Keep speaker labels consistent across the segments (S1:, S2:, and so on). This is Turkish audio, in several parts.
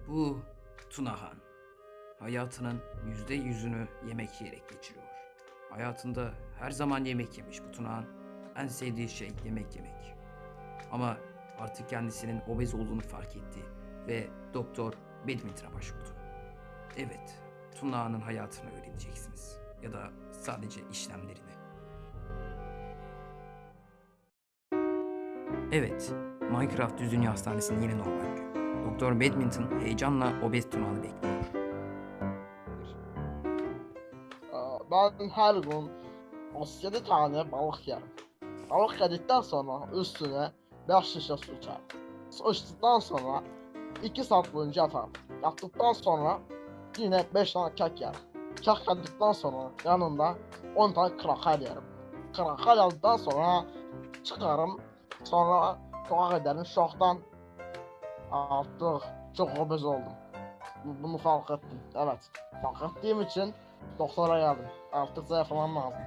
S1: Bu Tunahan hayatının %100'ünü yemek yiyerek geçiriyor. Hayatında her zaman yemek yemiş bu Tunahan. En sevdiği şey yemek yemek. Ama artık kendisinin obez olduğunu fark etti ve Doktor Badminton'a başvurdu. Evet, Tunahan'ın hayatını öğreneceksiniz. Ya da sadece işlemlerini. Evet, Minecraft Dünya Hastanesi'nin yeni normal günü. Doktor Badminton heyecanla obez Tunahan'ı bekliyor.
S2: Ben her gün 37 tane balık yerim. Balık yedikten sonra üstüne 5 şişe su içerim. Su içtikten sonra 2 saat boyunca yatarım. Yattıktan sonra yine 5 tane kek yerim. Kek yedikten sonra yanında 10 tane kraker yerim. Kraker yedikten sonra çıkarım. Sonra sokağa giderim. Şoktan artık çok obez oldum. Bunu fark ettim. Evet. Fark ettiğim için doktora geldim. Artık zayıflamam lazım.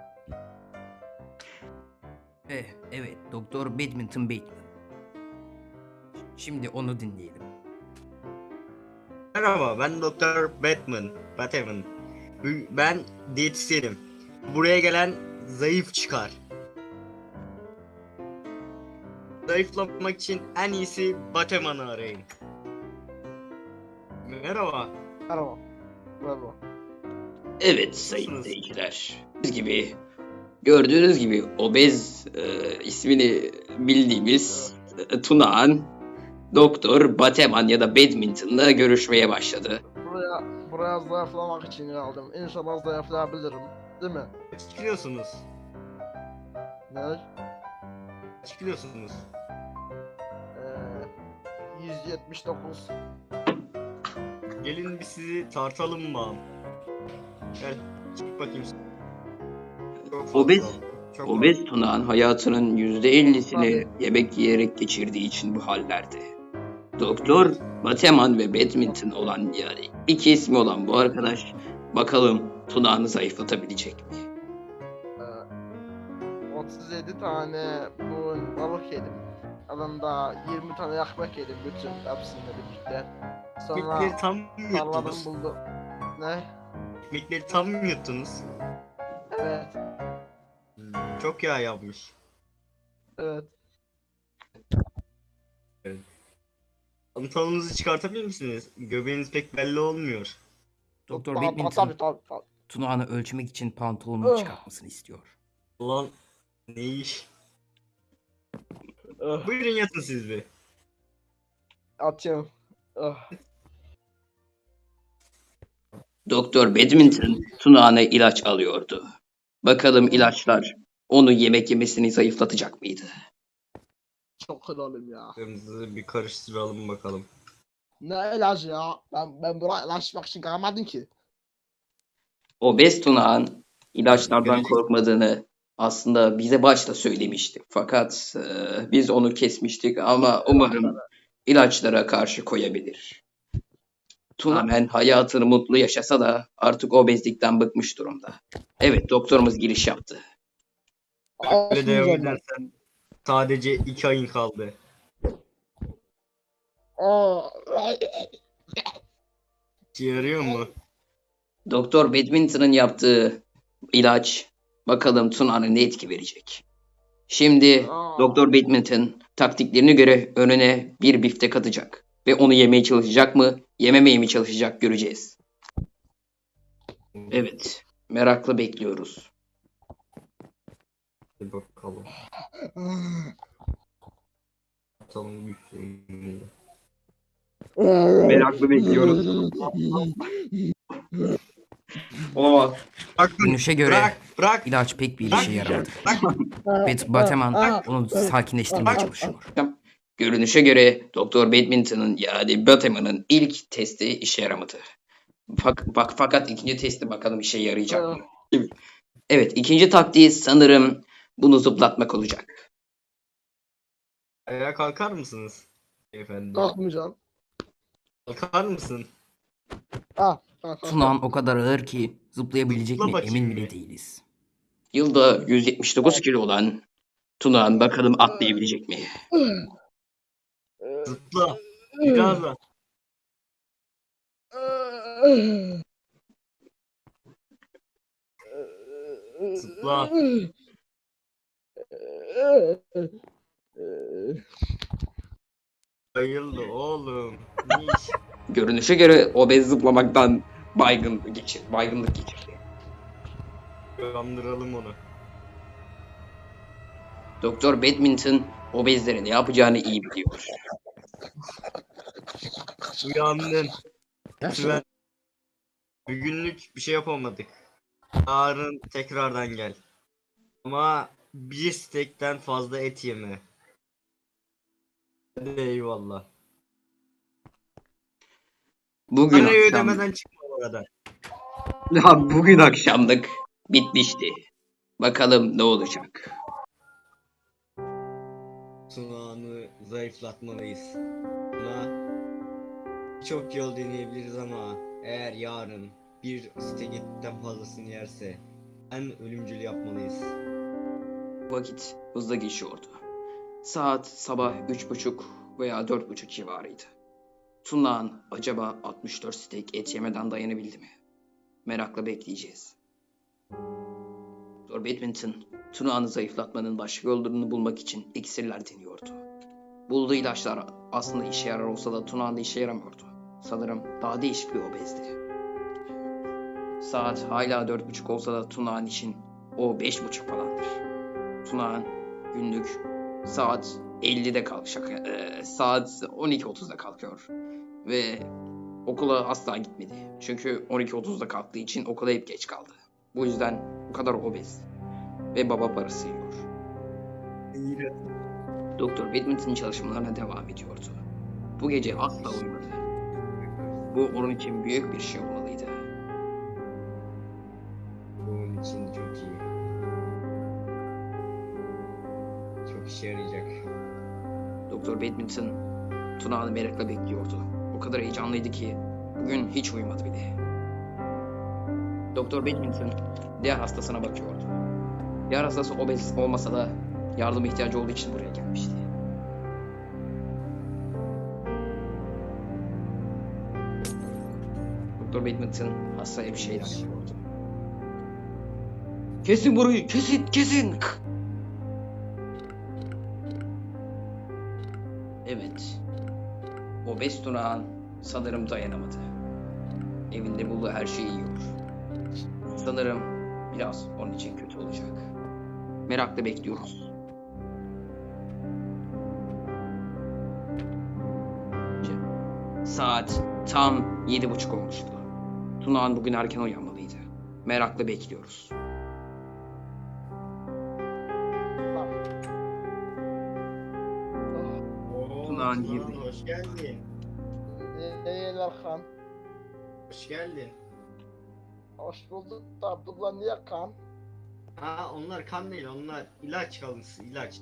S1: Evet, Doktor Badminton Bateman. Şimdi onu dinleyelim.
S3: Merhaba, ben Doktor Batman. Ben diyetisyenim. Buraya gelen zayıf çıkar. Zayıflamak için en iyisi Batman'ı arayın. Merhaba.
S2: Merhaba. Merhaba.
S4: Evet sayın
S3: Nasılsınız?
S4: izleyiciler. Gördüğünüz gibi obez ismini bildiğimiz Tunağan Doktor Bateman ya da Badminton'la görüşmeye başladı.
S2: Buraya zayıflamak için geldim. İnşallah zayıflayabilirim. Değil mi?
S3: Kaç kilosunuz?
S2: Ne?
S3: Kaç kilosunuz?
S2: 179.
S3: Gelin bir sizi tartalım mı? Gel, çık bakayım. Çok fazla. Çok
S4: Obez Tunağan hayatının %50'sini yemek yiyerek geçirdiği için bu hallerde. Doktor Bateman ve Badminton olan yani iki ismi olan bu arkadaş bakalım Tunağan'ı zayıflatabilecek mi?
S2: 37 tane balık yedim. Yanında 20 tane ekmek yedim bütün hepsini birlikte.
S3: Ekmekleri
S2: Sonra
S3: tam mı
S2: tarladan
S3: yuttunuz?
S2: buldum. Ne?
S3: Ekmekleri tam mı yuttunuz?
S2: Evet.
S3: Çok yağ yapmış.
S2: Evet.
S3: Pantolonunuzu çıkartabilir misiniz? Göbeğiniz pek belli olmuyor.
S1: Doktor
S2: Tabii,
S1: Badminton
S2: tabii.
S1: Tunahan'ı ölçmek için pantolonunu çıkartmasını istiyor.
S3: Ulan ne iş?
S2: Öh,
S3: Buyurun yatın siz bir.
S2: atıyorum. Öh.
S4: Doktor Badminton Tunağan'a ilaç alıyordu. Bakalım ilaçlar onu yemek yemesini zayıflatacak mıydı?
S2: Çok kralım ya.
S3: Kırmızı bir karıştıralım bakalım.
S2: Ne ilacı ya? Ben buraya ilaçmak için gelmedim ki.
S4: Obez Tunağan ilaçlardan
S3: Görecek-
S4: korkmadığını aslında bize başta söylemişti. Fakat biz onu kesmiştik ama umarım ilaçlara karşı koyabilir. Tunağan hayatını mutlu yaşasa da artık obezlikten bıkmış durumda. Evet doktorumuz giriş yaptı.
S3: Böyle devam
S2: Olsun ben.
S3: edersen sadece 2 ayın kaldı.
S2: Aa,
S3: İşe yarıyor mu?
S4: Doktor Badminton'ın yaptığı ilaç bakalım Tunağan'a ne etki verecek. Şimdi Doktor Badminton taktiklerine göre önüne bir biftek atacak. Ve onu yemeye çalışacak mı, yememeye mi çalışacak göreceğiz. Evet, merakla bekliyoruz.
S3: Hadi bakalım. Atalım güçlü.
S4: Meraklı bekliyoruz. Olamaz.
S1: Görünüşe göre
S3: Bırak.
S1: İlaç pek bir işe yaramadı. Bateman onu sakinleştirmeye çalışıyor.
S4: Görünüşe göre Doktor Badminton'ın yani Bateman'ın ilk testi işe yaramadı. Fakat ikinci testi bakalım işe yarayacak mı? Evet, ikinci taktiği sanırım bunu zıplatmak olacak.
S3: Ayağa kalkar mısınız? Efendim.
S2: Kalkmayacağım.
S3: Kalkar mısın?
S1: Tunahan o kadar ağır ki zıplayabilecek
S3: Zıpla
S1: mi
S3: bakayım
S1: emin
S3: bir.
S1: bile değiliz.
S4: Yılda 179 kilo olan Tunağan bakalım atlayabilecek mi?
S3: Zıpla. Biraz da. Zıpla. Bayıldı oğlum. Ne iş?
S4: Görünüşe göre obez zıplamaktan baygınlık geçirdi.
S3: Kandıralım onu.
S4: Doktor Badminton obezlerin ne yapacağını iyi biliyor.
S3: Uyandın. Lütfen. Bugünlük bir şey yapamadık. Yarın tekrardan gel. Ama bir stekten fazla et yeme. Hadi eyvallah.
S4: Bugün
S3: Parayı
S4: akşam,
S3: ödemeden çıkma oradan.
S4: bugün akşamlık bitmişti. Bakalım ne olacak.
S3: Tunağını zayıflatmalıyız. Buna çok yol deneyebiliriz ama eğer yarın bir steak etten fazlasını yerse en ölümcül yapmalıyız.
S4: Vakit hızla geçiyordu. Saat sabah 3:30 veya 4:30 civarıydı. Tunağan acaba 64 steak et yemeden dayanabildi mi? Merakla bekleyeceğiz. Doktor Badminton, Tunağan'ı zayıflatmanın başka yollarını bulmak için iksirler deniyordu. Bulduğu ilaçlar aslında işe yarar olsa da Tunağan'da işe yaramıyordu. Sanırım daha değişik bir obezdi. Saat hala 4:30 olsa da Tunağan için o 5:30 falandır. Tunağan günlük saat 50'de kalkacak. Saat 12:30'da kalkıyor. Ve okula asla gitmedi. Çünkü 12:30'da kalktığı için okula hep geç kaldı. Bu yüzden bu kadar obez. Ve baba parası yiyor. Doktor Badminton çalışmalarına devam ediyordu. Bu gece asla uyumadı. Bu onun için büyük bir şey olmalıydı.
S3: Bunun için çok iyi. Çok işe yarayacak.
S4: Doktor Badminton Tuna'nı merakla bekliyordu. O kadar heyecanlıydı ki bugün hiç uyumadı bile. Doktor Badminton diğer hastasına bakıyordu. Diğer hastası obez olmasa da yardıma ihtiyacı olduğu için buraya gelmişti. Doktor Badminton hastaya bir şeyler yapıyordu. Kesin burayı, kesin. Evet. Obez Tunağan sanırım dayanamadı. Evinde bulduğu her şeyi yiyor. Sanırım biraz onun için kötü olacak. Merakla bekliyoruz. Saat tam 7:30 olmuştu. Tunağan bugün erken uyanmalıydı. Merakla bekliyoruz. Tunağan girdi.
S3: Hoş geldin.
S2: Eyler kan.
S3: Hoş geldin.
S2: Hoş bulduk da Abdullah niye kan?
S3: Ha onlar kan değil, onlar ilaç kalıntısı, ilaç.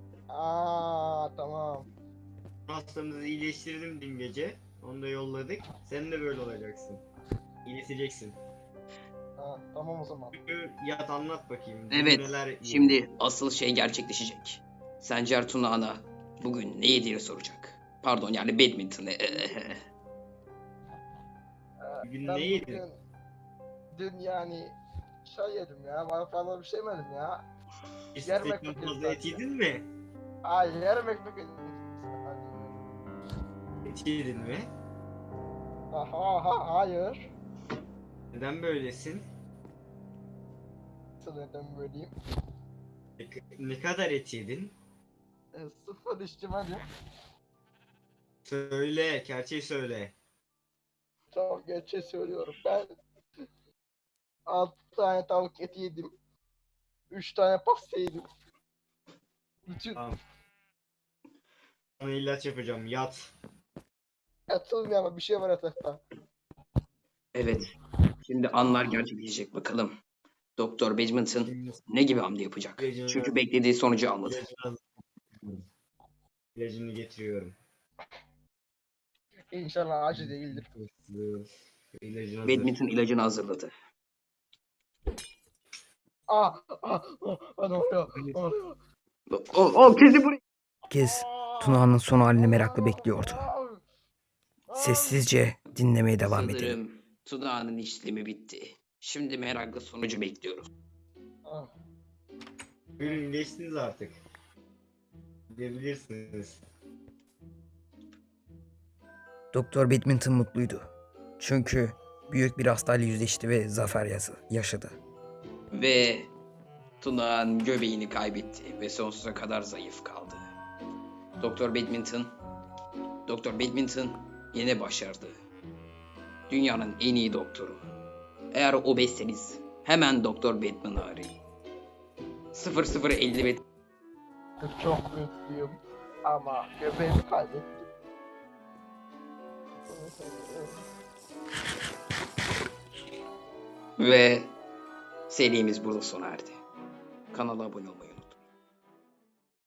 S2: Tamam.
S3: Hastamızı iyileştirdim dün gece. Onu da yolladık. Sen de böyle olacaksın. İyileşeceksin.
S2: Tamam o zaman.
S3: Yat anlat bakayım. Dün
S4: Evet,
S3: neler
S4: şimdi asıl şey gerçekleşecek. Sencer Tunağan'a bugün ne yediğini soracak. Pardon yani Badminton'ı.
S3: Bugün
S2: Ben
S3: ne yedin?
S2: bugün- Dün yani şey yedim ya. Ben fazla bir şey yemedim ya.
S3: Bir
S2: Yarım
S3: steakten
S2: ekmek
S3: fazla
S2: yedim
S3: et yedin mi?
S2: Ay yarım ekmek yedim.
S3: Et yedin mi?
S2: Hayır.
S3: Neden böylesin?
S2: Neden böyleyim?
S3: Ne kadar et yedin?
S2: Sıfır içmedim.
S3: Söyle, gerçeği söyle.
S2: Çok gerçeği söylüyorum. Ben 6 tane tavuk eti yedim. 3 tane pasta yedim. Bütün
S3: Tamam. Sana ilaç yapacağım, yat.
S2: yatılmıyor ama bir şey var yatakta.
S4: Evet, şimdi anlar gerçekleşecek bakalım. Doktor Badminton ne gibi hamle yapacak? Çünkü beklediği sonucu almadı.
S3: İlacını getiriyorum.
S2: İnşallah acı değildir.
S3: İlacın hazır.
S4: Badminton ilacını hazırladı.
S2: Ne oluyor? Ne oluyor?
S4: O kedi buraya.
S1: Herkes Tuna'nın son halini merakla bekliyordu. Sessizce dinlemeye devam edelim.
S4: Sanırım Tuna'nın işlemi bitti. Şimdi merakla sonucu bekliyoruz.
S2: Ah,
S3: Buyurun geçtiniz artık. Gidebilirsiniz.
S1: Doktor Badminton mutluydu. Çünkü büyük bir hastayla yüzleşti ve zafer yaşadı.
S4: Ve Tuna'nın göbeğini kaybetti ve sonsuza kadar zayıf kaldı. Doktor Badminton yine başardı. Dünyanın en iyi doktoru. Eğer obezseniz hemen Doktor Badminton'ı arayın. 0055
S2: çok mutluyum ama göbeğimi kaybettim.
S4: ve serimiz burada sona erdi. Kanala abone olmayı